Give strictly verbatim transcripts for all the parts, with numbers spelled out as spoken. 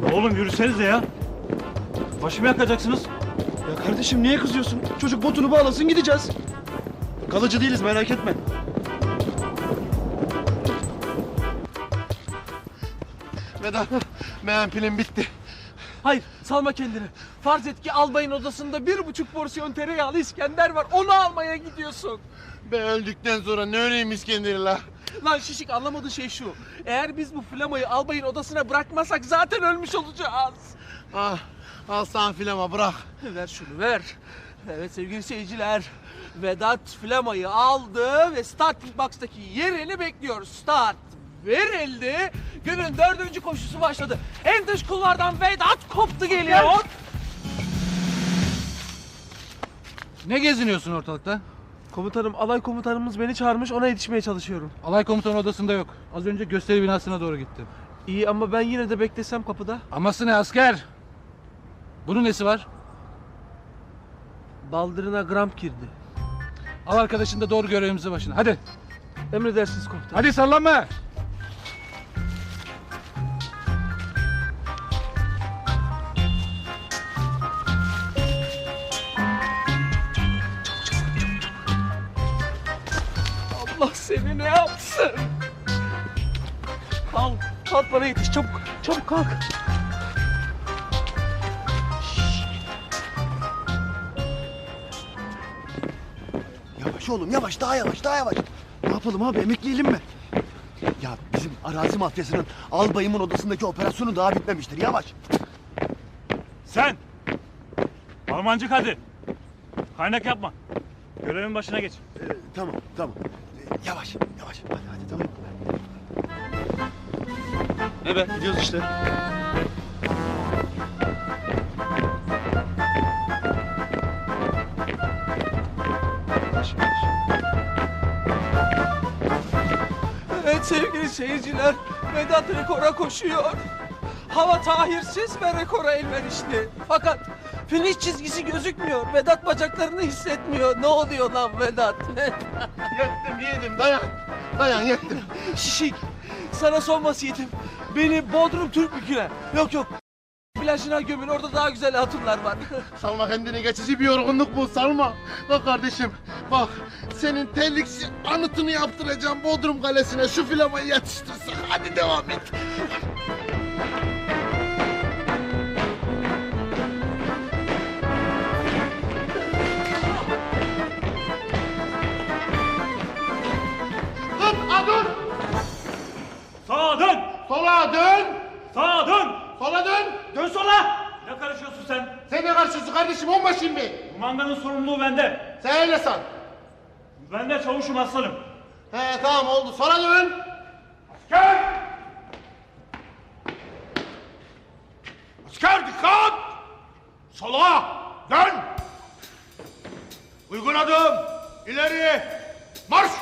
Oğlum yürüsenize ya. Başımı yakacaksınız. Ya kardeşim niye kızıyorsun? Çocuk botunu bağlasın gideceğiz. Kalıcı değiliz merak etme. Vedat, benim pilim bitti. Hayır, salma kendini. Farz et ki albayın odasında bir buçuk porsiyon tereyağlı İskender var. Onu almaya gidiyorsun. Ben öldükten sonra ne öleyim İskender'i la? Lan şişik, anlamadığın şey şu. Eğer biz bu flamayı albayın odasına bırakmasak zaten ölmüş olacağız. Ah, al sana filama bırak. Ver şunu, ver. Evet sevgili seyirciler. Vedat flamayı aldı ve starting box'taki yerini bekliyor. Start verildi. Günün dördüncü koşusu başladı. En dış kulvardan Vedat koptu geliyor. Ne geziniyorsun ortalıkta? Komutanım, alay komutanımız beni çağırmış, ona yetişmeye çalışıyorum. Alay komutanı odasında yok. Az önce gösteri binasına doğru gittim. İyi ama ben yine de beklesem kapıda. Aması ne asker? Bunun nesi var? Baldırına gram girdi. Al arkadaşın da doğru görevimizi başına. Hadi. Emredersiniz komutanım. Hadi sallanma. Allah seni ne yapsın? Kalk, kalk bana yetiş, çabuk, çabuk kalk. Yavaş oğlum yavaş daha yavaş daha yavaş. Ne yapalım abi emekleyelim mi? Ya bizim arazi mafyasının albayımın odasındaki operasyonu daha bitmemiştir yavaş. Sen! Almancık hadi. Kaynak yapma. Görevin başına geç. Ee, tamam tamam. Ee, yavaş yavaş hadi hadi tamam. Ne be? Gidiyoruz işte. Yavaş yavaş. Evet sevgili seyirciler, Vedat rekora koşuyor. Hava tahirsiz ve rekora elverişli. Fakat finish çizgisi gözükmüyor. Vedat bacaklarını hissetmiyor. Ne oluyor lan Vedat? Yettim yedim, dayan. Dayan, yettim. Şişik, sana son vasiyetim. Beni Bodrum Türkbükü'ne, yok yok, plajına gömün, orada daha güzel hatunlar var. Salma kendini, geçici bir yorgunluk bu, salma. Bak kardeşim, bak. Senin terliksi anıtını yaptıracağım Bodrum Kalesi'ne. Şu filamayı yetiştirsen. Hadi devam et. Dur, a dur. Sağa dön! Sola dön. Sağa dön! Sola dön. Dön sola! Ne karışıyorsun sen? Sen ne karşısın kardeşim, onbaşıyım ben. Bu manganın sorumluluğu bende. Sen öyle san. Ben de çavuşum aslanım. He tamam oldu, sola dön. Asker! Asker dikkat! Sola! Dön! Uygun adım! İleri! Marş!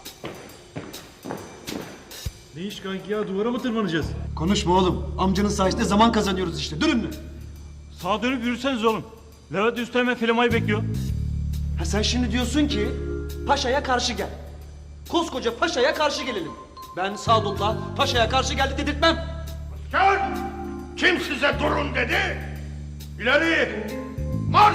Ne iş kanki ya? Duvara mı tırmanacağız? Konuşma oğlum. Amcanın sayesinde zaman kazanıyoruz işte. Durun. Sağa dönüp yürüseniz oğlum. Levent Üsteğmen filmayı bekliyor. Ha sen şimdi diyorsun ki paşaya karşı gel. Koskoca paşaya karşı gelelim. Ben Sadullah paşaya karşı geldi dedirtmem. Asker! Kim size durun dedi? İleri! Marş!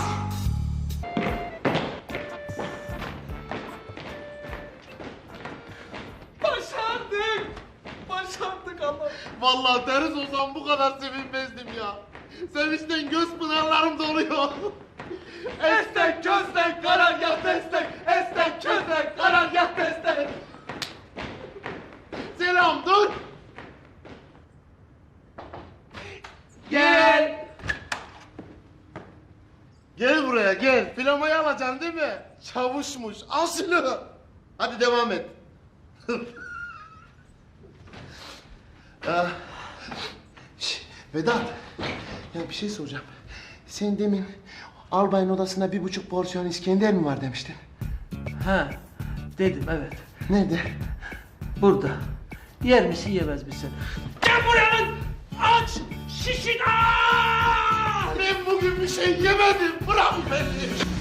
Başardık! Başardık Allah! Vallahi deriz olsam bu kadar sevinmezdim ya. Sevinçten göz pınarlarım doluyor. Estek közlek karargah destek! Estek közlek karargah destek! Selam dur. Gel! Gel buraya gel. Filamayı alacaksın değil mi? Çavuşmuş. Al şunu. Hadi devam et. ah. Şş, Vedat. Ya bir şey soracağım. Sen demin albayın odasında bir buçuk porsiyon İskender mi var demiştin? Ha, dedim evet. Nerede? Burada. Yer misin yemez misin? Gel buraya lan! Aç! Şişin! Aa! Ben bugün bir şey yemedim. Bırak beni.